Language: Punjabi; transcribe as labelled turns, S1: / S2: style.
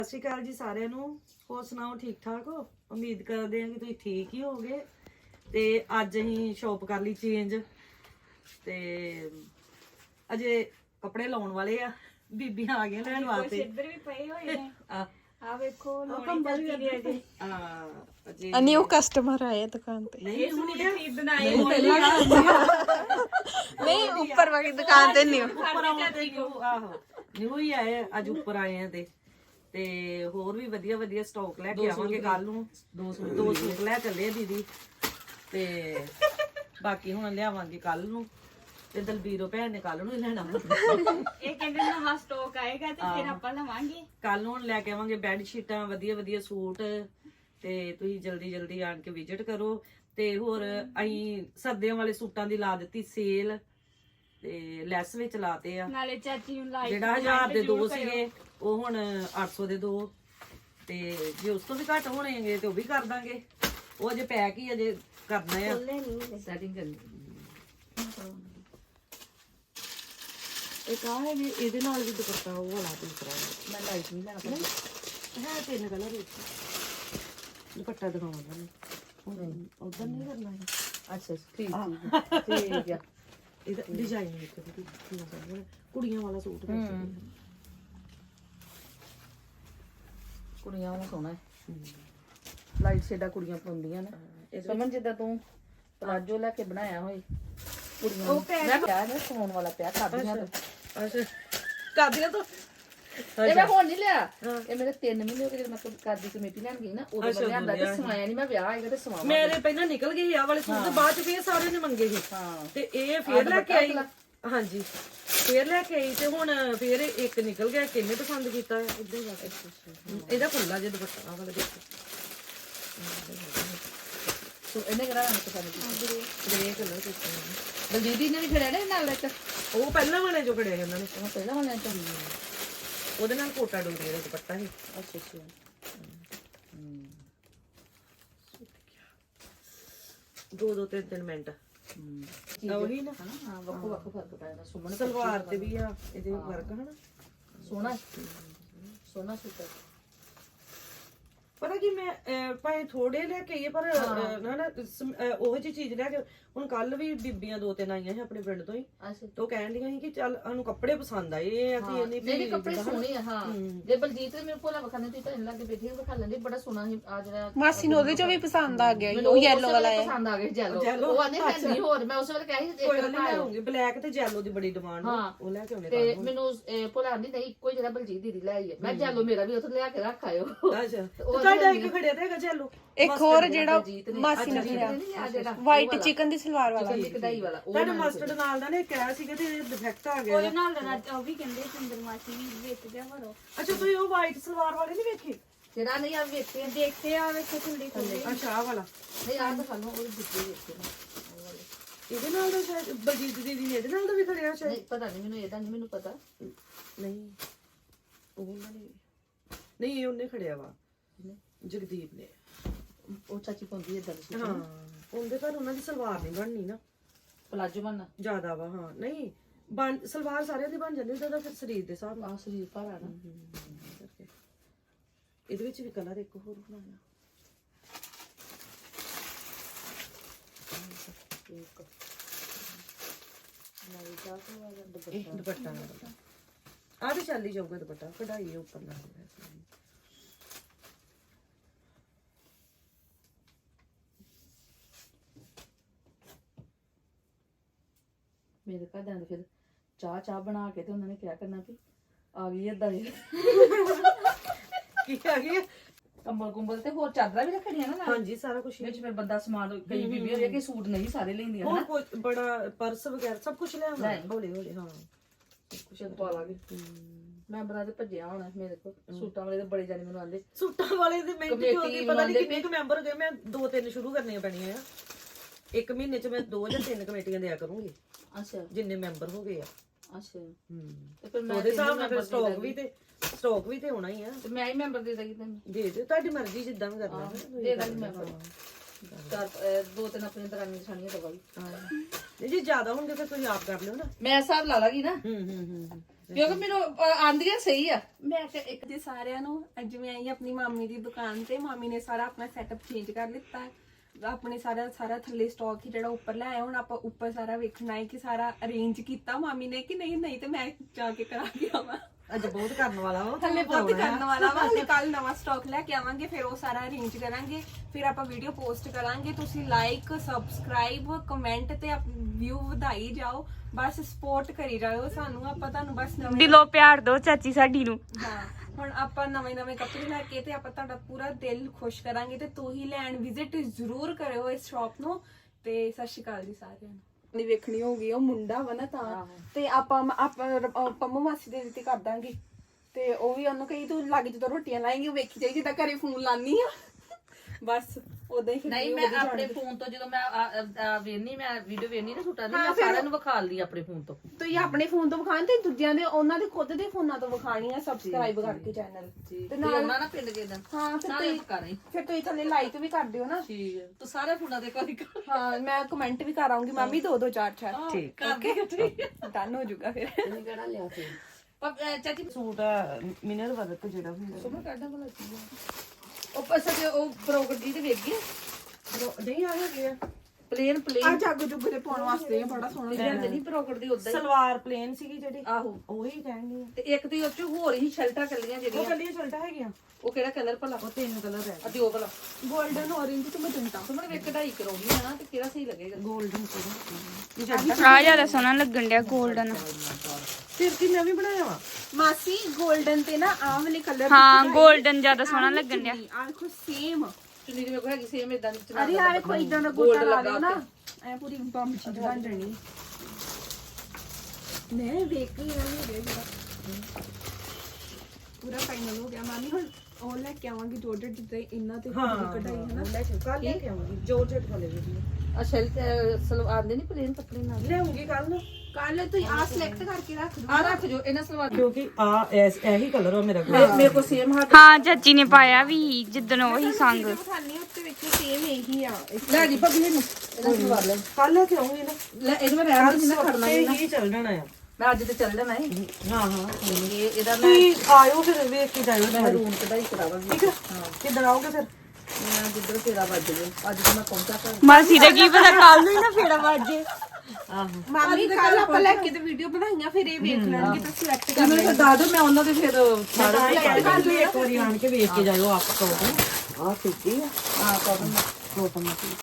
S1: ਸਤਿ ਸ਼੍ਰੀ ਅਕਾਲ ਜੀ ਸਾਰਿਆਂ ਨੂੰ। ਹੋਰ ਸੁਣਾਓ, ਠੀਕ ਠਾਕ ਹੋ? ਉਮੀਦ ਕਰਦੇ ਹਾਂ ਕਿ ਤੁਸੀਂ ਠੀਕ ਹੀ ਹੋਗੇ। ਤੇ ਅੱਜ ਅਸੀਂ ਸ਼ੌਪ ਕਰ ਲਈ ਚੇਂਜ ਤੇ ਅਜੇ ਕੱਪੜੇ ਲਾਉਣ ਵਾਲੇ ਆ। ਬੀਬੀਆਂ ਆ ਗਈਆਂ ਲੈਣ ਵਾਸਤੇ।
S2: ਇੱਧਰ ਵੀ ਪਏ ਹੋਏ ਨੇ। ਆ ਵੇਖੋ
S1: ਕੰਬਲ ਵੀ ਅਜੇ
S3: ਨਿਊ ਕਸਟਮਰ ਆਏ ਦੁਕਾਨ ਤੇ।
S1: ਨਹੀਂ
S2: ਸੂਟ ਖਰੀਦਣ ਆਏ
S3: ਨਹੀਂ ਉੱਪਰ ਵਾਲੀ ਦੁਕਾਨ ਤੇ ਨਿਊ
S1: ਆਹੋ ਨਿਊ ਹੀ ਆਏ ਅੱਜ, ਉੱਪਰ ਆਏ ਆ ਤੇ ਹੋਰ ਵੀ ਵਧੀਆ ਵਧੀਆ ਸਟਾਕ ਲੈ ਕੇ ਆਵਾਂਗੇ ਕੱਲ ਨੂੰ। ਦੋ ਸੂਟ ਲੈ ਚੱਲੇ ਆ ਦੀਦੀ ਤੇ ਬਾਕੀ ਹੁਣ ਲਿਆਵਾਂਗੇ ਕੱਲ ਨੂੰ। ਤੇ ਦਲਬੀਰੋ ਭੈਣ ਨੇ ਕੱਲ ਨੂੰ ਹੀ ਲੈਣਾ।
S2: ਇਹ ਕਹਿੰਦੇ ਨਵਾਂ ਸਟਾਕ ਆਏਗਾ ਤੇ ਫਿਰ ਆਪਾਂ ਲਵਾਂਗੇ।
S1: ਕੱਲ ਨੂੰ ਲੈ ਕੇ ਆਵਾਂਗੇ ਬੈੱਡ ਸ਼ੀਟਾਂ, ਵਧੀਆ ਵਧੀਆ ਸੂਟ। ਤੇ ਤੁਸੀਂ ਜਲਦੀ ਜਲਦੀ ਆਣ ਕੇ ਵਿਜ਼ਿਟ ਕਰੋ। ਤੇ ਹੋਰ ਅਸੀਂ ਸਰਦੀਆਂ ਵਾਲੇ ਸੂਟਾਂ ਦੀ ਲਾ ਦਿੱਤੀ ਸੇਲ ਤੇ ਲੈਸ ਵਿੱਚ ਲਾਤੇ ਆ।
S2: ਨਾਲੇ ਚਾਚੀ ਨੂੰ ਲਾਈਕ
S1: ਜਿਹੜਾ 1000 ਦੇ ਦੋ ਸੀਗੇ ਉਹ ਹੁਣ 800 ਦੇ ਦੋ। ਤੇ ਜੇ ਉਸ ਤੋਂ ਵੀ ਘੱਟ ਹੋਣਗੇ ਤੇ ਉਹ ਵੀ ਕਰ ਦਾਂਗੇ। ਉਹ ਅਜੇ ਪੈਕ ਹੀ ਅਜੇ ਕਰਨਾ ਆ, ਸੈਟਿੰਗ ਕਰਨੀ। ਇੱਕ ਆ ਹੈ ਵੀ ਇਹਦੇ ਨਾਲ ਵੀ ਦੁਪੱਟਾ ਉਹ ਵਾਲਾ ਦੂਸਰਾ ਮੈਂ ਲਾਈਟ ਨਹੀਂ ਲੈਣਾ ਪਤਾ ਹੈ। ਤਿੰਨ ਕਲਰ ਵਿੱਚ ਦੁਪੱਟਾ ਦਿਖਾਉਣਾ ਨੇ ਉਧਰ ਨਹੀਂ ਕਰਨਾ ਹੈ। ਅੱਛਾ ਠੀਕ ਠੀਕ ਆ। ਇਹਦਾ ਡਿਜ਼ਾਈਨ ਕੁੜੀਆਂ ਵਾਲਾ ਸੂਟ ਕੁੜੀਆਂ ਵਾਲਾ ਸੋਹਣਾ ਹੈ। ਲਾਈਟ ਸ਼ੇਡਾਂ ਕੁੜੀਆਂ ਪਾਉਂਦੀਆਂ ਨੇ। ਸਮਝ ਜਿੱਦਾਂ ਤੂੰ ਪਲਾਜੋ ਲੈ ਕੇ ਬਣਾਇਆ ਹੋਏ ਕੁੜੀਆਂ ਉਹ ਪਿਆ ਨਾ ਸੌਣ ਵਾਲਾ ਪਿਆ ਕਾਦੀਆਂ ਤੋਂ। ਅੱਛਾ ਕਾਦੀਆਂ ਤੋਂ ਇਹ ਮੈਂ ਹੁਣ ਨਹੀਂ ਲਿਆ। ਇਹ ਮੇਰੇ 3 ਮਹੀਨੇ ਹੋ ਗਏ ਜਦੋਂ ਮੈਂ ਕਾਦੀ ਕਮੇਟੀ ਲੈਣ ਗਈ ਨਾ ਉਦੋਂ ਮੈਂ ਲਿਆਂਦਾ ਤੇ ਸਵਾਇਆ ਨਹੀਂ। ਮੈਂ ਵਿਆਹ ਆਏਗਾ ਤੇ ਸਵਾਵਾਂ। ਮੇਰੇ ਪਹਿਲਾਂ ਨਿਕਲ ਗਏ ਆ ਵਾਲੇ ਸੂਟ ਤੇ ਬਾਅਦ ਚ ਫੇਰ ਸਾਰਿਆਂ ਨੇ ਮੰਗੇ ਸੀ ਤੇ ਇਹ ਫੇਰ ਲੈ ਕੇ ਆਈ। ਹਾਂਜੀ ਫੇਰ ਲੈ ਕੇ ਆਈ ਤੇ ਹੁਣ ਫੇਰ ਇੱਕ ਨਿਕਲ ਗਿਆ। ਕਿੰਨੇ ਪਸੰਦ ਕੀਤਾ ਇਦਾਂ ਹੀ ਬਸ। ਇਹਦਾ ਖੁੱਲਾ ਜਿਹਾ ਦੁਪੱਟਾ ਵਾਲਾ ਦੇਖੋ। ਸੋ ਇਹਨੇ ਕਿਹੜਾ ਰੰਗ ਪਸੰਦ ਕੀਤਾ? ਗ੍ਰੇ ਕਲਰ ਕੀਤਾ। ਬਲਜੀਤ ਨੇ ਵੀ ਖੜਿਆ ਨਾ ਨਾਲ ਇੱਕ ਉਹ ਪਹਿਲਾਂ ਵਾਲੇ ਜੋ ਖੜਿਆ ਉਹਨਾਂ ਨੇ। ਉਹ ਪਹਿਲਾਂ ਵਾਲੇ ਚ ਉਹਦੇ ਨਾਲ ਕੋਟਾ ਡੋਰੀ ਦਾ ਦੁਪੱਟਾ ਸੀ। ਅੱਛਾ ਅੱਛਾ ਦੋ ਤਿੰਨ ਮਿੰਟ ਉਹੀ ਨਾ। ਹਾਂ ਵੱਖੋ ਵੱਖ ਫਰਕ ਪੈਂਦਾ। ਸੁਮਨ ਸਲਵਾਰ ਤੇ ਵੀ ਆ ਇਹਦੇ ਵਰਕ ਹਨਾ ਸੋਹਣਾ ਸੋਹਣਾ ਸੂਟ। ਪਤਾ ਕੀ ਮੈਂ ਭਾਵੇਂ ਥੋੜੇ ਲੈ ਕੇ ਆਈਏ ਪਰ ਨਾ ਉਹ ਜਿਹੀ ਚੀਜ਼ ਲੈ ਕੇ ਹੁਣ ਕੱਲ ਵੀ ਬੀਬੀਆਂ 2-3 ਆਈਆਂ ਸੀ ਆਪਣੇ ਪਿੰਡ ਤੋਂ ਹੀ। ਤੇ ਉਹ ਕਹਿਣ ਦੀਆਂ ਸੀ ਕਿ ਚੱਲ ਸਾਨੂੰ ਕੱਪੜੇ ਪਸੰਦ ਆਏ ਆ ਕਿ ਇਹਨੇ ਮੇਰੇ ਕੱਪੜੇ ਸੋਹਣੇ ਆ। ਹਾਂ ਜੇ ਬਲਜੀਤ ਨੇ ਮੇਰੇ ਕੋਲ ਵਖਾਣੇ ਤੁਸੀਂ ਤਾਂ ਲੱਗੇ ਬੈਠੇ ਵਿਖਾ ਲੈਂਦੇ ਬੜਾ ਸੋਹਣਾ ਸੀ। ਆ ਜਿਹੜਾ ਮਾਸੀ ਨੂੰ ਉਹਦੇ ਚੋਂ ਵੀ ਪਸੰਦ ਆ ਗਿਆ ਉਹ ਯੈਲੋ ਵਾਲਾ ਹੈ। ਪਸੰਦ ਆ ਗਿਆ ਯੈਲੋ। ਉਹ ਆਨੇ ਹੈ ਨਹੀਂ ਹੋਰ। ਮੈਂ ਉਸ ਵੇਲੇ ਕਹਿ ਸੀ ਇੱਕ ਲਿਆਉਂਗੀ ਬਲੈਕ ਤੇ ਯੈਲੋ ਦੀ ਬੜੀ ਡਿਮਾਂਡ ਉਹ ਲੈ ਕੇ ਆਉਣੇ। ਤੇ ਮੈਨੂੰ ਭੁਲਾ ਨਹੀਂ ਇੱਕੋ ਹੀ ਜਿਹੜਾ ਬਲਜੀਤ ਦੀਦੀ ਲੈ ਆਈ ਹੈ। ਮੈਂ ਯੈਲੋ ਮੇਰਾ ਵੀ ਉੱਥੇ ਲਿਆ ਕੇ ਰੱਖ ਆਇਓ। ਅੱਛਾ ਤੁਹਾਡਾ ਇੱਕ ਖੜਿਆ ਤੇ ਹੈਗਾ ਯੈਲੋ। ਇੱਕ ਹੋਰ ਜਿਹੜਾ ਮਾਸੀ ਨੇ ਖੜਿਆ ਵਾਈਟ ਚਿਕਨ ਦੀ ਸਲਵਾਰ ਵਾਲਾ ਕਢਾਈ ਵਾਲਾ ਤੁਹਾਡੇ ਮਸਟਰਡ ਨਾਲ ਦਾ ਨੇ ਕਿਹਾ ਸੀਗਾ ਤੇ ਡਿਫੈਕਟ ਆ ਗਿਆ। ਉਹਦੇ ਨਾਲ ਦਾ ਉਹ ਵੀ ਕਹਿੰਦੇ ਚੰਦਰਮਾਸੀ ਵੀ ਵੇਚ ਦਿਆ ਕਰੋ। ਅੱਛਾ ਤੁਸੀਂ ਉਹ ਵਾਈਟ ਸਲਵਾਰ ਵਾਲੇ ਨਹੀਂ ਵੇਖੇ? ਜਿਹੜਾ ਨਹੀਂ ਆ ਵੇਖੇ ਦੇਖਦੇ ਆ ਵੇਖੋ ਖੁੱਲੀ ਖੁੱਲੀ। ਅੱਛਾ ਆ ਵਾਲਾ ਨਹੀਂ ਆ ਤਾਂ ਸਾਨੂੰ ਉਹ ਦਿੱਤੇ ਵੇਖੇ ਇਹਦੇ ਨਾਲ ਦਾ ਸ਼ਾਇਦ ਬਲਜੀਤ ਦੀਦੀ ਨੇ ਇਹਦੇ ਨਾਲ ਦਾ ਵੀ ਖੜਿਆ ਸ਼ਾਇਦ। ਨਹੀਂ ਪਤਾ ਨਹੀਂ ਮੈਨੂੰ ਇਹਦਾ ਨਹੀਂ ਮੈਨੂੰ ਪਤਾ। ਨਹੀਂ ਉਹਨਾਂ ਨੇ ਨਹੀਂ ਉਹਨੇ ਖੜਿਆ ਵਾ ਜਗਦੀਪ ਨੇ। ਉਹ ਚਾਚੀ ਪਾਉਂਦੀ ਏਦਾਂ ਦੀ। ਹਾਂ ਉਹਦੇ ਪਰ ਉਹਨਾਂ ਦੀ ਸਲਵਾਰ ਨਹੀਂ ਬਣਨੀ ਨਾ ਪਲਾਜੋ ਬਣਨਾ ਜ਼ਿਆਦਾ ਵਾ। ਹਾਂ ਨਹੀਂ ਬਣ ਸਲਵਾਰ ਸਾਰਿਆਂ ਦੀ ਬਣ ਜਾਂਦੀ ਉਹਦਾ ਫਿਰ ਸਰੀਰ ਦੇ ਹਿਸਾਬ ਨਾਲ। ਸਰੀਰ ਭਾਰਾ ਨਾ ਇਹਦੇ ਵਿੱਚ ਵੀ ਕਲਰ ਇੱਕ ਹੋਰ ਬਣਾਇਆ। ਦੁਪੱਟਾ ਆ ਵੀ ਚੱਲ ਹੀ ਜਾਊਗਾ ਦੁਪੱਟਾ ਕਢਾਈ ਉੱਪਰ ਨਾਲ। ਮੇਰੇ ਘਰਦਿਆਂ ਨੇ ਫਿਰ ਚਾਹ ਬਣਾ ਕੇ ਤੇ ਉਹਨਾਂ ਨੇ ਕਿਹਾ ਕਰਨਾ ਵੀ ਆ ਗਈ ਏਦਾਂ ਦੀ ਕੀ ਆ ਗਈ ਕੰਬਲ ਤੇ ਹੋਰ ਚਾਦਰਾਂ ਵੀ ਰੱਖਣੀਆਂ ਨਾ। ਹਾਂਜੀ ਸਾਰਾ ਕੁਝ ਵਿੱਚ ਫਿਰ ਬੰਦਾ ਸਮਾਨ ਕਈ ਬੀਬੀ ਹੋਈ ਕਿ ਸੂਟ ਨਹੀਂ ਸਾਰੇ ਲੈਂਦੀਆਂ ਨਾ। ਹੋਰ ਬੜਾ ਪਰਸ ਵਗੈਰਾ ਸਭ ਕੁਝ ਲੈ ਆਉਣਾ ਹੌਲੀ ਹੌਲੀ। ਹਾਂ ਕੁਝ ਪਾ ਲਾਂਗੇ। ਮੈਂ ਬਣਾ ਤੇ ਭੱਜਿਆ ਹੋਣਾ ਮੇਰੇ ਕੋਲ ਸੂਟਾਂ ਵਾਲੇ ਤੇ ਬੜੇ ਜਾਣੇ ਮੈਨੂੰ ਆਂਦੇ ਸੂਟਾਂ ਵਾਲੇ ਦੇ ਮਿੰਟ ਕਿਉਂ ਦੀ ਪਤਾ ਨਹੀਂ ਕਿੰਨੇ ਕੁ ਮੈਂਬਰ ਹੋ ਗਏ। ਮੈਂ 2-3 ਸ਼ੁਰੂ ਕਰਨੀਆਂ ਪੈਣੀਆਂ ਆ। ਇੱਕ ਮਹੀਨੇ ਚ ਮੈਂ 2 ਜਾਂ 3 ਕਮੇਟੀਆਂ ਦਿਆ ਕਰੂੰਗੀ। ਅੱਛਾ ਜਿੰਨੇ ਮੈਂਬਰ ਹੋ ਗਏ ਆ। ਅੱਛਾ ਤੇ ਫਿਰ ਮੈਂ ਉਹਦੇ ਹਿਸਾਬ ਨਾਲ ਫਿਰ ਸਟਾਕ ਵੀ ਤੇ ਹੋਣਾ ਹੀ ਆ। ਤੇ ਮੈਂ ਹੀ ਮੈਂਬਰ ਦੇ ਦਾਂਗੀ ਤੈਨੂੰ। ਦੇ ਦਿਓ ਤੁਹਾਡੀ ਮਰਜ਼ੀ ਜਿੱਦਾਂ ਵੀ ਕਰਨਾ ਦੇ ਦਾਂਗੀ ਮੈਂਬਰ। 2-3 ਆਪਣੀਆਂ ਦਰਾਨੀਆਂ ਜਠਾਣੀਆਂ ਦਵਾਈ। ਹਾਂ ਜੇ ਜ਼ਿਆਦਾ ਹੋਣਗੇ ਫਿਰ ਤੁਸੀਂ ਆਪ ਕਰ ਲਿਓ ਨਾ। ਮੈਂ ਹਿਸਾਬ ਲਾ ਲਾਂਗੀ ਨਾ।
S4: ਕਿਉਂਕਿ ਮੈਨੂੰ ਆਂਦੀਆਂ ਸਹੀ ਆ। ਮੈਂ ਤੇ ਇੱਕ ਦੇ ਸਾਰਿਆਂ ਨੂੰ ਅੱਜ ਮੈਂ ਆਈ ਆਪਣੀ ਮਾਮੀ ਦੀ ਦੁਕਾਨ ਤੇ। ਮਾਮੀ ਨੇ ਸਾਰਾ ਆਪਣਾ ਸੈਟਅਪ ਚੇਂਜ ਕਰ ਲਿੱਤਾ, ਆਪਣੇ ਸਾਰਾ ਥੱਲੇ ਸਟਾਕ ਹੀ ਜਿਹੜਾ ਉੱਪਰ ਲੈ ਆਏ। ਹੁਣ ਆਪਾਂ ਉੱਪਰ ਸਾਰਾ ਵੇਖਣਾ ਹੈ ਕਿ ਸਾਰਾ ਅਰੇਂਜ ਕੀਤਾ ਮਾਮੀ ਨੇ ਕਿ ਨਹੀਂ ਤੇ ਮੈਂ ਜਾ ਕੇ ਕਰਾ ਕੇ ਆਵਾਂ।
S1: ਅੱਜ ਬਹੁਤ ਕਰਨ ਵਾਲਾ ਵਾ
S4: ਹਲੇ ਬਹੁਤ ਕਰਨ ਵਾਲਾ ਵਾ। ਹਲੇ ਕੱਲ ਨਵਾਂ ਸਟਾਕ ਲੈ ਕੇ ਆਵਾਂਗੇ, ਫਿਰ ਉਹ ਸਾਰਾ ਅਰੇਂਜ ਕਰਾਂਗੇ, ਫਿਰ ਆਪਾਂ ਵੀਡੀਓ ਪੋਸਟ ਕਰਾਂਗੇ। ਤੁਸੀਂ ਲਾਈਕ, ਸਬਸਕ੍ਰਾਈਬ, ਕਮੈਂਟ ਤੇ ਵਿਊ ਵਧਾਈ ਜਾਓ, ਬਸ ਸਪੋਰਟ ਕਰੀ ਜਾਓ ਸਾਨੂੰ। ਆਪਾਂ ਤੁਹਾਨੂੰ ਬਸ ਨਵੇਂ
S2: ਦਿਲੋਂ ਪਿਆਰ ਦਿਓ ਚਾਚੀ ਸਾਡੀ ਨੂੰ।
S4: ਹਾਂ, ਹੁਣ ਆਪਾਂ ਨਵੇਂ ਕੱਪੜੇ ਲੈ ਕੇ ਤੇ ਆਪਾਂ ਤੁਹਾਡਾ ਪੂਰਾ ਦਿਲ ਖੁਸ਼ ਕਰਾਂਗੇ ਤੇ ਤੁਸੀਂ ਲੈਣ ਵਿਜ਼ਿਟ ਜ਼ਰੂਰ ਕਰਿਓ ਇਸ ਸ਼ਾਪ ਨੂੰ। ਤੇ ਸਤਿ ਸ਼੍ਰੀ ਅਕਾਲ ਜੀ ਸਾਰਿਆਂ ਨੂੰ। ਨਹੀਂ ਵੇਖਣੀ ਹੋਗੀ ਉਹ ਮੁੰਡਾ ਵਾ ਨਾ ਤਾਂ, ਤੇ ਆਪਾਂ ਪੰਮੂ ਮਾਸੀ ਦੇ ਦਿੱਤੀ ਕਰ ਦਾਂਗੇ। ਤੇ ਉਹ ਵੀ ਉਹਨੂੰ ਕਹੀ ਤੂੰ ਲੱਗ ਜਦੋਂ ਰੋਟੀਆਂ ਲਾਏਂਗੀ ਵੇਖੀ ਜਾਈ ਜਿੱਦਾਂ ਘਰੇ ਫੋਨ ਲਾਨੀ ਆ ਬਸ ਉਦਾਂ ਹੀ।
S5: ਨਹੀਂ ਮੈਂ ਆਪਣੇ ਫੋਨ ਤੋਂ ਜਦੋਂ ਮੈਂ ਵੇਖਣੀ ਮੈਂ ਵੀਡੀਓ ਵੇਖਣੀ ਨਾ ਸੂਟਾਂ ਦੀ ਮੈਂ ਸਾਰਿਆਂ ਨੂੰ ਵਿਖਾ ਲਈ ਆਪਣੇ ਫੋਨ ਤੋਂ।
S4: ਤੁਸੀਂ ਆਪਣੇ ਫੋਨ ਤੋਂ ਵਿਖਾਣ ਤੇ ਦੂਜਿਆਂ ਦੇ ਉਹਨਾਂ ਦੇ ਖੁਦ ਦੇ ਫੋਨਾਂ ਤੋਂ ਵਿਖਾਣੀ ਆ ਸਬਸਕ੍ਰਾਈਬ ਕਰਕੇ ਚੈਨਲ
S5: ਤੇ ਨਾਲ ਨਾ ਪਿੰਡ ਕੇ ਦਿਨ
S4: ਹਾਂ। ਫਿਰ ਤੁਸੀਂ ਥੱਲੇ ਲਾਈਕ ਵੀ ਕਰ ਦਿਓ ਨਾ।
S5: ਠੀਕ ਹੈ ਤੂੰ ਸਾਰੇ ਫੋਨਾਂ ਦੇ ਕੋਈ
S4: ਹਾਂ ਮੈਂ ਕਮੈਂਟ ਵੀ ਕਰ ਆਉਂਗੀ ਮਾਮੀ 2 4
S1: ਠੀਕ
S5: ਠੀਕ
S4: ਡਨ ਹੋ ਜਾਊਗਾ ਫਿਰ।
S5: ਕਿਹੜਾ ਲਿਆ ਫੇਰ ਪਰ ਚਾਚੀ
S1: ਸੂਟ ਮਿਨਰ ਵਰਕ ਜਿਹੜਾ ਹੁੰਦਾ
S5: ਸੁਮਾ ਕੱਢਾਂ ਭਲਾ ਕੀ ਉਹ ਪਸਾ ਉਹ ਪ੍ਰੋਗਰਟੀ ਤੇ ਵੇਖ ਗਈ
S1: ਨਹੀਂ ਆ ਗਿਆ
S5: ਪਲੇਨ
S4: ਆ ਜਾਗੋ ਜੁਗੋ ਦੇ ਪਾਉਣ ਵਾਸਤੇ ਬੜਾ ਸੋਹਣਾ
S5: ਜਾਂਦੇ ਨਹੀਂ ਪ੍ਰੋਗਰਟੀ ਉਦਾਂ ਹੀ
S1: ਸਲਵਾਰ ਪਲੇਨ ਸੀਗੀ ਜਿਹੜੀ
S5: ਆਹੋ
S1: ਉਹੀ ਕਹਿੰਦੀ
S5: ਤੇ ਇੱਕ ਤੇ ਉਹ ਚ ਹੋਰ ਹੀ ਸ਼ਰਟਾਂ ਕੱਲੀਆਂ
S1: ਉਹ
S5: ਜਿਹੜੀਆਂ
S1: ਕੱਲੀਆਂ ਸ਼ਰਟਾਂ ਹੈਗੀਆਂ,
S5: ਉਹ ਕਿਹੜਾ ਕਲਰ ਭਲਾ
S1: ਉਹ 3 ਕਲਰ ਹੈ।
S5: ਅਤੇ ਉਹ ਭਲਾ
S4: 골ਡਨ ਔਰੇਂਜ ਤੇ ਮਜੰਟਾ।
S5: ਸੁਮਨ ਵੇਖ ਕਢਾਈ ਕਰਾਉਣੀ ਆ ਨਾ ਤੇ ਕਿਹੜਾ ਸਹੀ ਲੱਗੇਗਾ
S1: ਗੋਲਡਨ
S2: ਆ ਜਿਆਦਾ ਸੋਹਣਾ ਲੱਗਣ ਡਿਆ 골ਡਨ।
S1: ਫਿਰ ਕੀ ਮੈਂ ਵੀ ਬਣਾਇਆ ਵਾ
S4: ਮਾਸੀ 골ਡਨ ਤੇ ਨਾ ਆਹ ਵਾਲੇ ਕਲਰ
S2: ਹਾਂ 골ਡਨ ਜਿਆਦਾ ਸੋਹਣਾ ਲੱਗਣ ਡਿਆ।
S4: ਆ ਦੇਖੋ ਸੇਮ।
S5: ਚੁੰਨੀ ਦੀ ਵੇਖੋ ਹੈਗੀ ਸੇਮ ਇਦਾਂ ਦੀ
S4: ਅਰੇ ਆ ਵੇਖੋ ਇਦਾਂ ਦਾ ਗੋਟਾ ਲਾ ਦਿਓ ਨਾ ਐ ਪੂਰੀ ਬੰਬ ਚੀਜ਼ ਬਣ ਜਾਣੀ। ਮੈਂ ਵੇਖ ਕੇ ਨਾ ਹੋ ਗਿਆ ਪੂਰਾ ਫਾਈਨਲ ਹੋ ਗਿਆ। ਮਾਮੀ ਹੁਣ ਉਹ ਲੈ ਕੇ ਆਵਾਂਗੀ ਜੋਰਜਟ ਜਿੱਦਾਂ ਇਹਨਾਂ ਤੇ ਕਢਾਈ ਹੈ ਨਾ।
S1: ਲੈ ਕੇ ਕੱਲ ਲੈ ਕੇ ਆਉਂਗੀ ਜੋਰਜਟ ਵਾਲੇ ਵੀ
S5: ਆ ਸਲਵਾਰ ਦੇ ਨਹੀਂ ਪਲੇਨ ਕੱਪੜੇ ਨਾਲ
S1: ਲਿਆਉਂਗੀ ਕੱਲ ਨੂੰ।
S4: ਕੱਲ ਤੁਸੀਂ ਆ ਸਿਲੈਕਟ ਕਰਕੇ ਰੱਖ ਦਿਓ।
S5: ਆ ਰੱਖ ਜੋ ਇਹਨਾਂ ਸਲਵਾਰ
S1: ਕਿਉਂਕਿ ਆ ਇਹੀ ਕਲਰ ਆ ਮੇਰਾ
S5: ਮੇਰੇ ਕੋਲ ਸੇਮ ਹੱਥ
S2: ਹਾਂ ਚਾਚੀ ਨੇ ਪਾਇਆ ਵੀ ਜਿੱਦਣ ਉਹੀ ਸੰਗ।
S4: ਖਾਣੀ ਉੱਤੇ ਵਿੱਚ ਸੇਮ ਇਹੀ ਆ।
S5: ਲੈ ਜੀ ਭਾਬੀ ਇਹਨੂੰ ਇਹਨਾਂ ਸਲਵਾਰ ਲੈ
S1: ਕੱਲ ਲੈ ਕੇ ਆਉਂਗੀ ਨਾ,
S5: ਲੈ ਇਹਨੂੰ ਮੈਂ ਰਹਿਣ ਨਹੀਂ ਨਾ ਖੜਨਾ
S1: ਇਹ ਹੀ ਚੱਲ ਜਾਣਾ ਆ।
S5: ਮੈਂ ਅੱਜ ਤੇ ਚੱਲ ਜਾਣਾ ਹੈ
S1: ਹਾਂ
S5: ਇਹ ਇਹਦਾ ਮੈਂ
S1: ਆਇਓ ਫਿਰ ਵੇਖ ਕੇ ਜਾਇਓ
S5: ਮੈਂ ਰੂਮ ਕਢਾਈ ਕਰਾਵਾਂਗੀ
S1: ਠੀਕ ਹੈ। ਕਿੱਦਣ ਆਓਗੇ ਫਿਰ?
S5: ਮੈਂ ਜਿੱਧਰ ਫੇਰਾ ਵੱਜ ਜੇ ਅੱਜ ਤਾਂ ਮੈਂ ਪਹੁੰਚਾ ਕਰ
S2: ਮਾਸੀ ਦਾ ਕੀ ਪਤਾ ਕੱਲ ਨੂੰ ਹੀ ਨਾ ਫੇੜਾ ਵੱਜੇ।
S1: ਆਹੋ
S4: ਮਾਮੀ ਕੱਲ ਆਪਾਂ ਲੈ ਕੇ ਤੇ ਵੀਡੀਓ ਬਣਾਈਆਂ ਫਿਰ ਇਹ ਵੇਖ ਲੈਣਗੇ ਤਾਂ ਸਿਲੈਕਟ ਕਰ
S5: ਮੈਨੂੰ ਦੱਸ ਦੋ ਮੈਂ ਉਹਨਾਂ ਦੇ ਫਿਰ
S1: ਕੱਲ ਇੱਕ ਵਾਰੀ ਆਣ ਕੇ ਵੇਖ ਕੇ ਜਾਇਓ ਆਪ ਕੋਲ ਆ ਸਿੱਧੀ ਆ
S5: ਹਾਂ ਕੋਟਨ
S1: ਕੋਟਨ